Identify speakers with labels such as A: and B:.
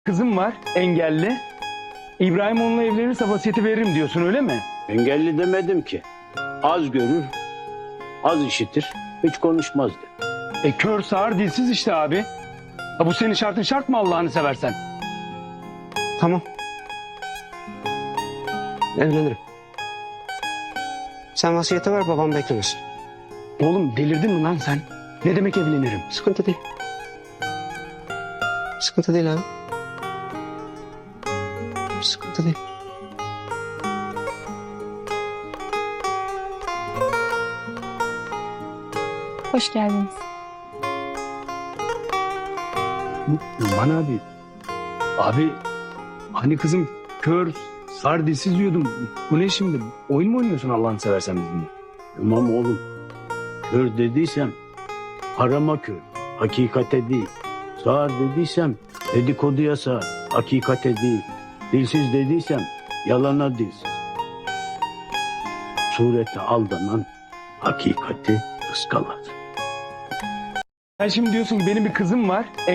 A: Kızım var, engelli. İbrahim onunla evlenirse vasiyeti veririm diyorsun, öyle mi?
B: Engelli demedim ki. Az görür, az işitir, hiç konuşmaz de.
A: Kör, sağır, dilsiz işte abi. Ha, bu senin şartın şart mı Allah'ını seversen?
C: Tamam. Evlenirim. Sen vasiyete ver, babam beklemesin.
A: Oğlum delirdin mi lan sen? Ne demek evlenirim?
C: Sıkıntı değil. Sıkıntı değil abi. Sıkıntı değil.
D: Hoş geldiniz.
A: Numan abi. Abi hani kızım kör, sağır, dilsiz diyordum. Bu ne şimdi? Oyun mu oynuyorsun Allah'ını seversen bizimle?
B: Tamam oğlum, kör dediysem harama kör, hakikate değil. Sağır dediysem dedikoduya sağır, hakikate değil. Dilsiz dediysem yalana dilsiz. Surete aldanan hakikati ıskalar.
A: Sen şimdi diyorsun ki benim bir kızım var.